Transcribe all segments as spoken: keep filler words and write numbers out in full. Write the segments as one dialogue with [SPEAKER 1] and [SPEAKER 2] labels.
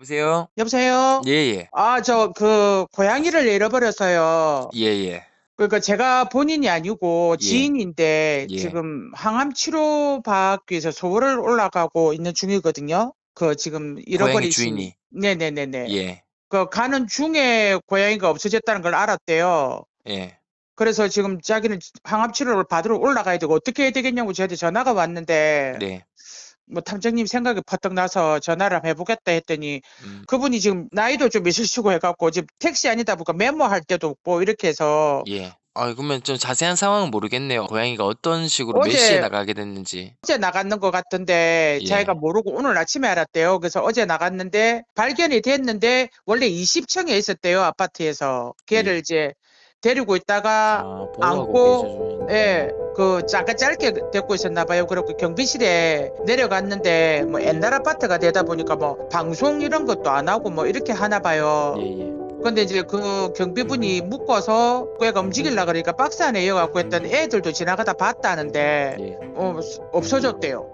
[SPEAKER 1] 여보세요?
[SPEAKER 2] 여보세요?
[SPEAKER 1] 예예.
[SPEAKER 2] 아, 저, 그, 고양이를 잃어버려서요.
[SPEAKER 1] 예예.
[SPEAKER 2] 그러니까 제가 본인이 아니고
[SPEAKER 1] 예.
[SPEAKER 2] 지인인데
[SPEAKER 1] 예.
[SPEAKER 2] 지금 항암 치료 받기 위해서 서울을 올라가고 있는 중이거든요. 그 지금
[SPEAKER 1] 고양이
[SPEAKER 2] 잃어버리신,
[SPEAKER 1] 주인이.
[SPEAKER 2] 네네네네.
[SPEAKER 1] 예.
[SPEAKER 2] 그 가는 중에 고양이가 없어졌다는 걸 알았대요.
[SPEAKER 1] 예.
[SPEAKER 2] 그래서 지금 자기는 항암 치료를 받으러 올라가야 되고 어떻게 해야 되겠냐고 저한테 전화가 왔는데
[SPEAKER 1] 네.
[SPEAKER 2] 뭐 탐정님 생각이 퍼뜩 나서 전화를 한번 해보겠다 했더니
[SPEAKER 1] 음.
[SPEAKER 2] 그분이 지금 나이도 좀 있으시고 해갖고 지금 택시 아니다 보니까 메모할 때도 없고 이렇게 해서
[SPEAKER 1] 예. 아 그러면 좀 자세한 상황은 모르겠네요. 고양이가 어떤 식으로 몇 시에
[SPEAKER 2] 어제
[SPEAKER 1] 나가게 됐는지.
[SPEAKER 2] 어제 나갔는 것 같던데 자기가
[SPEAKER 1] 예.
[SPEAKER 2] 모르고 오늘 아침에 알았대요. 그래서 어제 나갔는데 발견이 됐는데 원래 이십 층에 있었대요. 아파트에서. 걔를
[SPEAKER 1] 예.
[SPEAKER 2] 이제 데리고 있다가
[SPEAKER 1] 아 보호하고 계셔
[SPEAKER 2] 안고 예,
[SPEAKER 1] 주는데.
[SPEAKER 2] 그 잠깐 짧게 데리고 있었나 봐요. 그리고 경비실에 내려갔는데 뭐 옛날 아파트가 되다 보니까 뭐 방송 이런 것도 안 하고 뭐 이렇게 하나 봐요.
[SPEAKER 1] 예예.
[SPEAKER 2] 근데 이제 그 경비분이 묶어서 걔가 움직이려고 그러니까 박스 안에 이어갖고 했더니 애들도 지나가다 봤다는데
[SPEAKER 1] 예.
[SPEAKER 2] 어, 없어졌대요.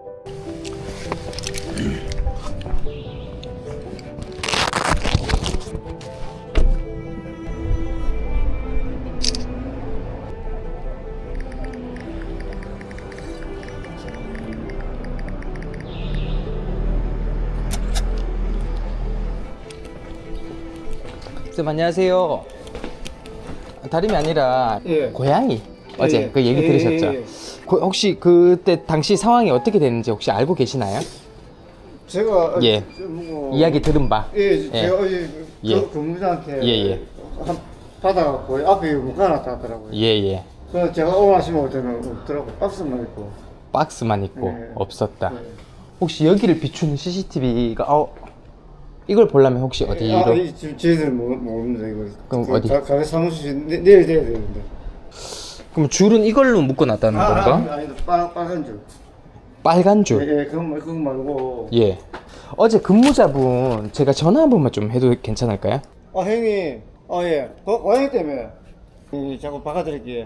[SPEAKER 3] 선생님 안녕하세요. 다름이 아니라
[SPEAKER 4] 예.
[SPEAKER 3] 고양이 어제
[SPEAKER 4] 예,
[SPEAKER 3] 그 얘기
[SPEAKER 4] 예,
[SPEAKER 3] 들으셨죠?
[SPEAKER 4] 예, 예.
[SPEAKER 3] 고- 혹시 그때 당시 상황이 어떻게 됐는지 혹시 알고 계시나요?
[SPEAKER 4] 제가
[SPEAKER 3] 예.
[SPEAKER 4] 뭐,
[SPEAKER 3] 이야기 들은 바.
[SPEAKER 4] 예,
[SPEAKER 3] 예.
[SPEAKER 4] 제가 어제
[SPEAKER 3] 예.
[SPEAKER 4] 그 근무자한테
[SPEAKER 3] 예, 예.
[SPEAKER 4] 한 받아갖고 앞에 묶어놨다 하더라고요.
[SPEAKER 3] 예예.
[SPEAKER 4] 그래서 제가 오늘 아침에 올 때는 없더라고. 박스만 있고.
[SPEAKER 3] 박스만 있고
[SPEAKER 4] 예.
[SPEAKER 3] 없었다.
[SPEAKER 4] 예.
[SPEAKER 3] 혹시 여기를 비추는 씨씨티비가 어 이걸 보려면 혹시 어디로?
[SPEAKER 4] 아, 이 지금 저희들은 모- 모릅니다 이거.
[SPEAKER 3] 그럼
[SPEAKER 4] 그
[SPEAKER 3] 어디?
[SPEAKER 4] 가, 가게 사무실 내, 내일 돼야 되는데.
[SPEAKER 3] 그럼 줄은 이걸로 묶어놨다는 건가?
[SPEAKER 4] 아니, 아니, 빨, 빨간 줄.
[SPEAKER 3] 빨간
[SPEAKER 4] 예,
[SPEAKER 3] 줄.
[SPEAKER 4] 예, 그거, 말- 그거 말고.
[SPEAKER 3] 예. 어제 근무자분 제가 전화 한 번만 좀 해도 괜찮을까요?
[SPEAKER 4] 아, 형님. 아, 예. 고, 고양이 때문에. 예, 자꾸 바꿔드릴게요.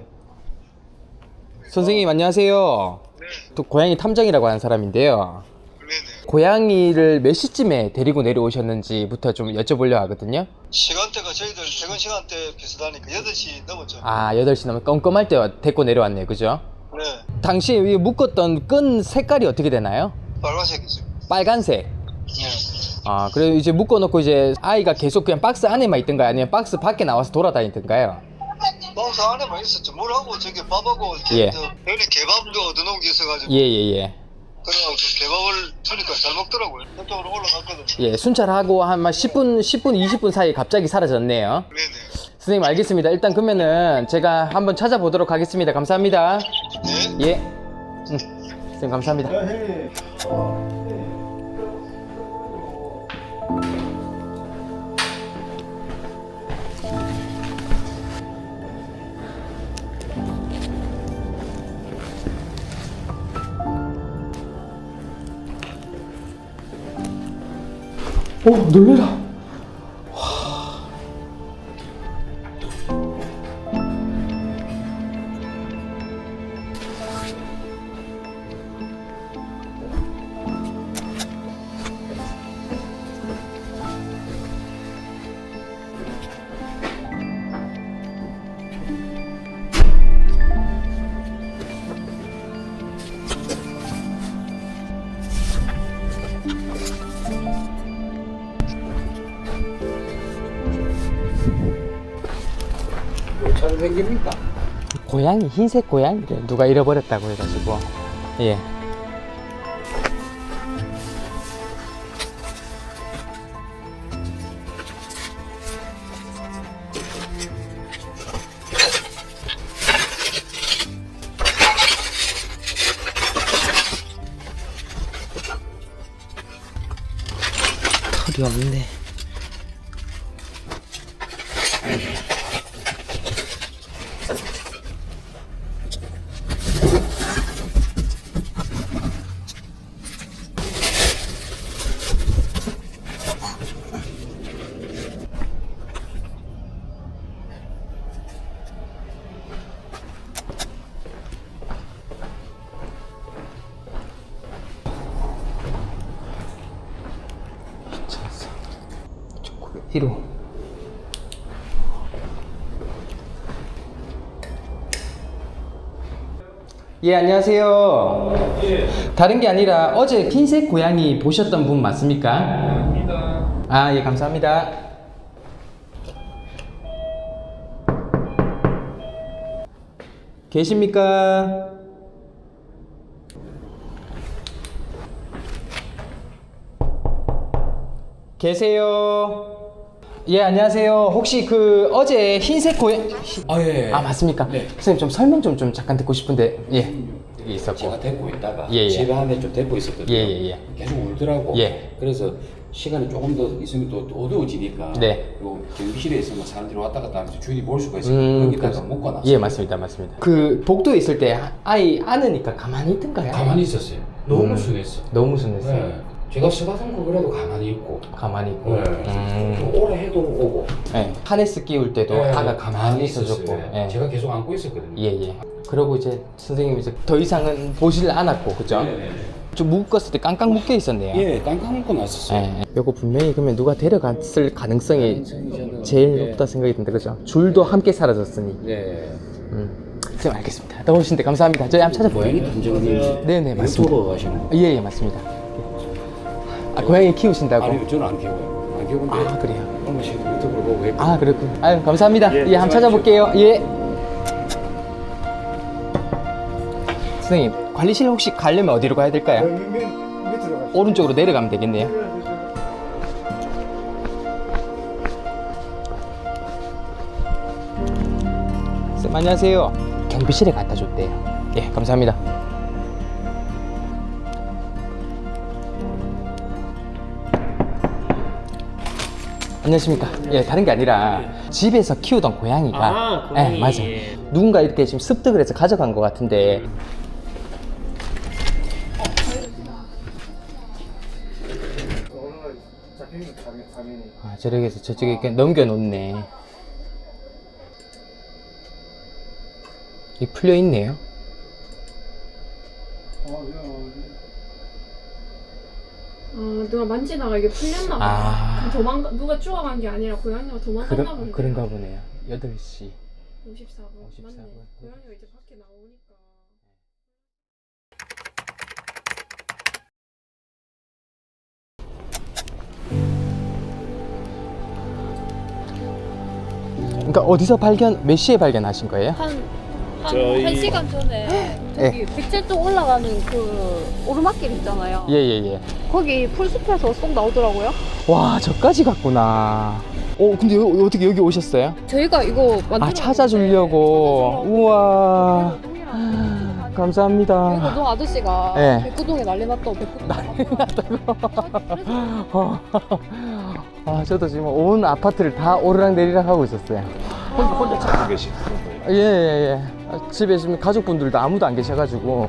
[SPEAKER 3] 선생님 안녕하세요.
[SPEAKER 5] 네,
[SPEAKER 3] 또 고양이 탐정이라고 하는 사람인데요.
[SPEAKER 5] 네네.
[SPEAKER 3] 고양이를 몇 시쯤에 데리고 내려오셨는지부터 좀 여쭤보려 하거든요.
[SPEAKER 5] 시간대가 저희들 퇴근 시간대 비슷하니까 여덟 시 넘었죠.
[SPEAKER 3] 아, 여덟 시 넘으면 껌껌할 때 데리고 내려왔네요. 그죠?
[SPEAKER 5] 네,
[SPEAKER 3] 당시에 위 묶었던 끈 색깔이 어떻게 되나요?
[SPEAKER 5] 빨간색이죠.
[SPEAKER 3] 빨간색.
[SPEAKER 5] 네.
[SPEAKER 3] 아, 그래서 이제 묶어놓고 이제 아이가 계속 그냥 박스 안에만 있던가요? 아니면 박스 밖에 나와서 돌아다니던가요?
[SPEAKER 5] 박스 안에만 있었죠. 물하고 저기 밥하고
[SPEAKER 3] 예.
[SPEAKER 5] 저 여기 개밥도 얻어놓은 게 있어가지고
[SPEAKER 3] 예, 예, 예.
[SPEAKER 5] 그래가지고 그 개밥을 주니까 잘 먹더라고요. 그쪽으로 올라갔거든요.
[SPEAKER 3] 예, 순찰하고 한 십 분, 십 분, 이십 분 사이에 갑자기 사라졌네요.
[SPEAKER 5] 네네.
[SPEAKER 3] 선생님 알겠습니다. 일단 그러면은 제가 한번 찾아보도록 하겠습니다. 감사합니다.
[SPEAKER 5] 네.
[SPEAKER 3] 예. 응. 선생님 감사합니다.
[SPEAKER 4] 아, 형님.
[SPEAKER 3] 오, 놀래라.
[SPEAKER 4] 잘 생깁니까?
[SPEAKER 3] 고양이, 흰색 고양이를 누가 잃어버렸다고 해가지고. 예. 털이 없네. 뒤로. 예, 안녕하세요. 다른 게 아니라 어제 흰색 고양이 보셨던 분 맞습니까? 아, 예, 감사합니다. 계십니까? 계세요? 예, 안녕하세요. 혹시 그 어제 흰색 고양
[SPEAKER 6] 아, 예.
[SPEAKER 3] 아, 맞습니까?
[SPEAKER 6] 네.
[SPEAKER 3] 선생님 좀 설명 좀, 좀 잠깐 듣고 싶은데. 예. 여기 있었고.
[SPEAKER 6] 제가 데리고 있다가
[SPEAKER 3] 예, 예.
[SPEAKER 6] 집에 안에 좀 데리고 있었거든요.
[SPEAKER 3] 예, 예, 예.
[SPEAKER 6] 계속 울더라고.
[SPEAKER 3] 예.
[SPEAKER 6] 그래서 시간이 조금 더 있으면 또 어두워지니까
[SPEAKER 3] 네.
[SPEAKER 6] 요 경비실에 있으면 사람들이 왔다 갔다 하면서 주인이 볼 수가 있어요.
[SPEAKER 3] 음,
[SPEAKER 6] 거기다가
[SPEAKER 3] 그래서-
[SPEAKER 6] 묶어놨어요.
[SPEAKER 3] 예, 맞습니다. 맞습니다. 그 복도에 있을 때 아이 안으니까 가만히 있던가요?
[SPEAKER 6] 가만히 있었어요. 너무
[SPEAKER 3] 음.
[SPEAKER 6] 순했어.
[SPEAKER 3] 너무 순했어요.
[SPEAKER 6] 네. 제가 쓰다듬고 그래도 가만히 있고.
[SPEAKER 3] 가만히 있고.
[SPEAKER 6] 네.
[SPEAKER 3] 음.
[SPEAKER 6] 오래 해도 오고.
[SPEAKER 3] 네. 하네스 끼울 때도
[SPEAKER 6] 네,
[SPEAKER 3] 아가 가만히 있어줬고.
[SPEAKER 6] 있었어요.
[SPEAKER 3] 예.
[SPEAKER 6] 제가 계속 안고 있었거든요.
[SPEAKER 3] 예, 예. 그러고 이제 선생님이 이제 더 이상은 보질 않았고, 그죠?
[SPEAKER 6] 네, 네, 네.
[SPEAKER 3] 좀 묶었을 때 깡깡 묶여 있었네요.
[SPEAKER 6] 예, 깡깡 묶어 놨었어요.
[SPEAKER 3] 예. 요거 분명히 그러면 누가 데려갔을 가능성이 제일
[SPEAKER 6] 네.
[SPEAKER 3] 높다 생각이 든다, 그죠? 줄도 함께 사라졌으니.
[SPEAKER 6] 네.
[SPEAKER 3] 음. 선생님 알겠습니다. 나오신데 감사합니다. 저희 한번 찾아볼게요.
[SPEAKER 6] 고양이 탐정님.
[SPEAKER 3] 네네, 맞습니다.
[SPEAKER 6] 유튜버 하시는 거.
[SPEAKER 3] 예, 예, 맞습니다. 아, 고양이 키우신다고?
[SPEAKER 6] 아니, 저는 안 키워요. 안 키우는데.
[SPEAKER 3] 아, 그래요?
[SPEAKER 6] 얼마 전에 유튜브를 보고 했고.
[SPEAKER 3] 아, 그렇군. 아유, 감사합니다. 예,
[SPEAKER 6] 예,
[SPEAKER 3] 한번 찾아볼게요. 예. 선생님, 관리실 혹시 가려면 어디로 가야 될까요?
[SPEAKER 4] 여기 밑, 밑으로 가시죠.
[SPEAKER 3] 오른쪽으로 내려가면 되겠네요. 쌤, 안녕하세요. 경비실에 갖다 줬대요. 예, 감사합니다. 안녕하십니까. 예, 다른 게 아니라 집에서 키우던 고양이가
[SPEAKER 7] 아, 고양이.
[SPEAKER 3] 예, 맞아요. 누군가 이렇게 지금 습득을 해서 가져간 것 같은데
[SPEAKER 4] 오늘 잡히는 가면 가면이.
[SPEAKER 3] 아, 저렇게 해서 저쪽에 이렇게 넘겨놓네. 이 풀려 있네요.
[SPEAKER 4] 어, 이거
[SPEAKER 8] 아, 누가 만지다가 이게 풀렸나 봐.
[SPEAKER 3] 아.
[SPEAKER 8] 도망가, 누가 쪼아간 게 아니라 고양이가 도망갔나
[SPEAKER 3] 그러,
[SPEAKER 8] 본데.
[SPEAKER 3] 그런가 보네요. 여덟 시.
[SPEAKER 8] 오십사 분.
[SPEAKER 3] 오십사 분.
[SPEAKER 8] 맞네. 고양이가 이제 밖에 나오니까.
[SPEAKER 3] 그러니까 어디서 발견, 몇 시에 발견하신 거예요?
[SPEAKER 9] 한, 한, 한 시간 전에 저기 백제동 올라가는 그 오르막길 있잖아요.
[SPEAKER 3] 예, 예, 예.
[SPEAKER 9] 거기 풀숲에서 쏙 나오더라고요.
[SPEAKER 3] 와, 저까지 갔구나. 어, 근데 여, 어떻게 여기 오셨어요?
[SPEAKER 9] 저희가 이거 만들어
[SPEAKER 3] 아, 찾아주려고. 우와. 감사합니다.
[SPEAKER 9] 백구동 아저씨가
[SPEAKER 3] 네.
[SPEAKER 9] 백구동에 난리 났다고 백구동 난리
[SPEAKER 3] 어. 아, 저도 지금 온 아파트를 다 오르락내리락 하고 있었어요.
[SPEAKER 7] 혼자, 혼자 찾고 계신 거예요?
[SPEAKER 3] 예, 예, 예. 아, 집에 지금 가족분들도 아무도 안 계셔가지고.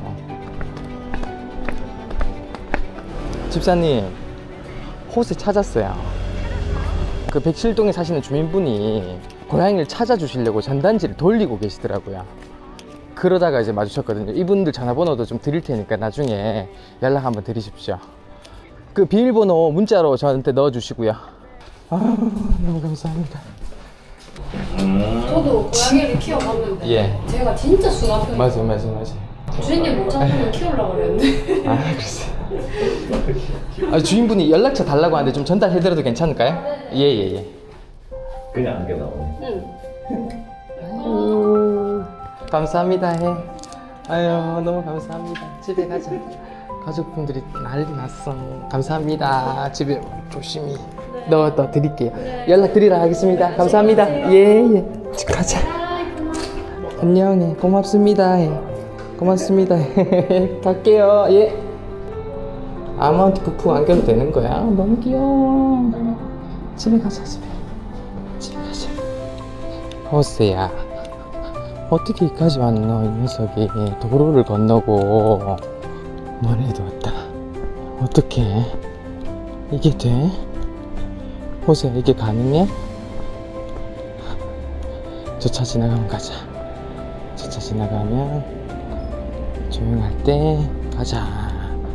[SPEAKER 3] 집사님, 호세 찾았어요. 그 백칠동에 사시는 주민분이 고양이를 찾아주시려고 전단지를 돌리고 계시더라고요. 그러다가 이제 마주쳤거든요. 이분들 전화번호도 좀 드릴 테니까 나중에 연락 한번 드리십시오. 그 비밀번호 문자로 저한테 넣어주시고요. 아, 너무 감사합니다.
[SPEAKER 8] 저도 고양이를 키워봤는데.
[SPEAKER 3] 예.
[SPEAKER 8] 제가 진짜 순한 편이에요.
[SPEAKER 3] 맞아요, 맞아요, 맞아요.
[SPEAKER 8] 주인님 못 잡으면 키우려고 그랬는데.
[SPEAKER 3] 아, 글쎄. 아, 주인분이 연락처 달라고 하는데 좀 전달해드려도 괜찮을까요? 예, 예, 예.
[SPEAKER 7] 그냥 안겨 나오네.
[SPEAKER 8] 응.
[SPEAKER 3] 아유, 감사합니다, 해. 아유, 너무 감사합니다. 집에 가자. 가족분들이 난리 났어. 감사합니다. 집에 조심히 넣어 더 드릴게요. 연락 드리라 하겠습니다. 감사합니다. 예, 예. 집 가자. 안녕, 예. 고맙습니다. 예. 고맙습니다. 갈게요. 예. 아무한테 푹푹 안겨도 되는 거야? 너무 귀여워. 집에 가자, 집에. 집에 가자. 호세야. 어떻게 여기까지 왔노, 이 녀석이. 도로를 건너고 너네도 왔다. 어떻게 이게 돼? 호세야, 이게 가능해? 저 차 지나가면 가자. 저 차 지나가면 조용할 때 가자.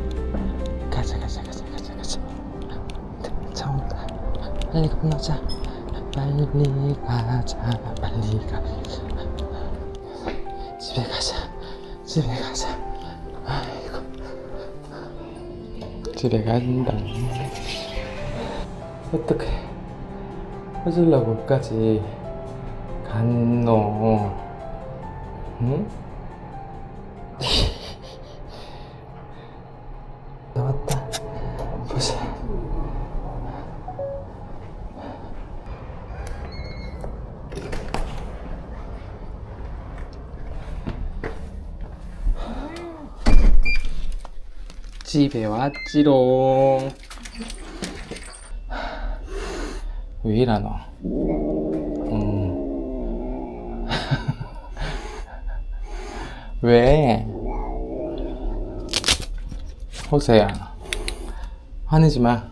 [SPEAKER 3] 가자, 가자, 가자, 가자, 가자. 차 온다. 빨리 건너자. 빨리 가자 빨리 가 집에 가자 집에 가자 아이고 집에 간다 어떡해 어질러고까지 갔노 응? 나왔다 보자 집에 왔지롱 왜 이러노 음. 왜 호세야 화내지 마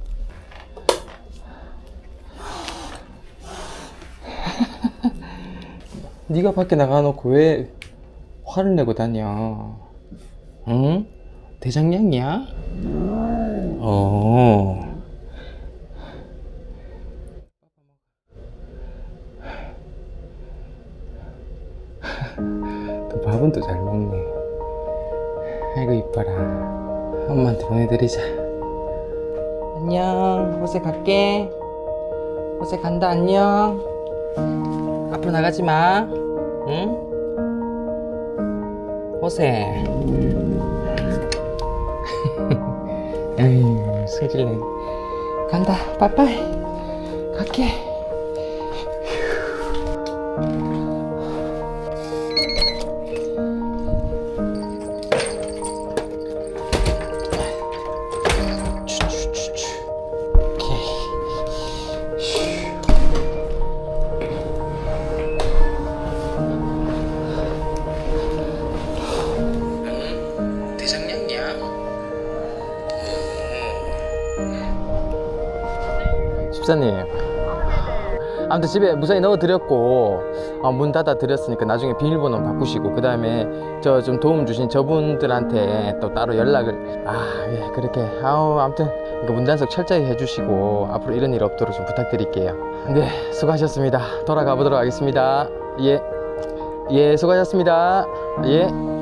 [SPEAKER 3] 네가 밖에 나가놓고 왜 화를 내고 다녀 응? 대장량이야? 어. 또 밥은 또 잘 먹네. 아이고 이뻐라. 엄마한테 보내드리자. 안녕. 호세 갈게. 호세 간다. 안녕. 앞으로 나가지 마. 응? 호세. 에휴 승질내 간다 빠빠이 갈게 집사님 아무튼 집에 무사히 넣어드렸고 어, 문 닫아드렸으니까 나중에 비밀번호 바꾸시고 그 다음에 저 좀 도움 주신 저분들한테 또 따로 연락을 아 예 그렇게 아우 아무튼 문단속 철저히 해주시고 앞으로 이런 일 없도록 좀 부탁드릴게요. 네 수고하셨습니다. 돌아가 보도록 하겠습니다. 예, 예 수고하셨습니다. 예.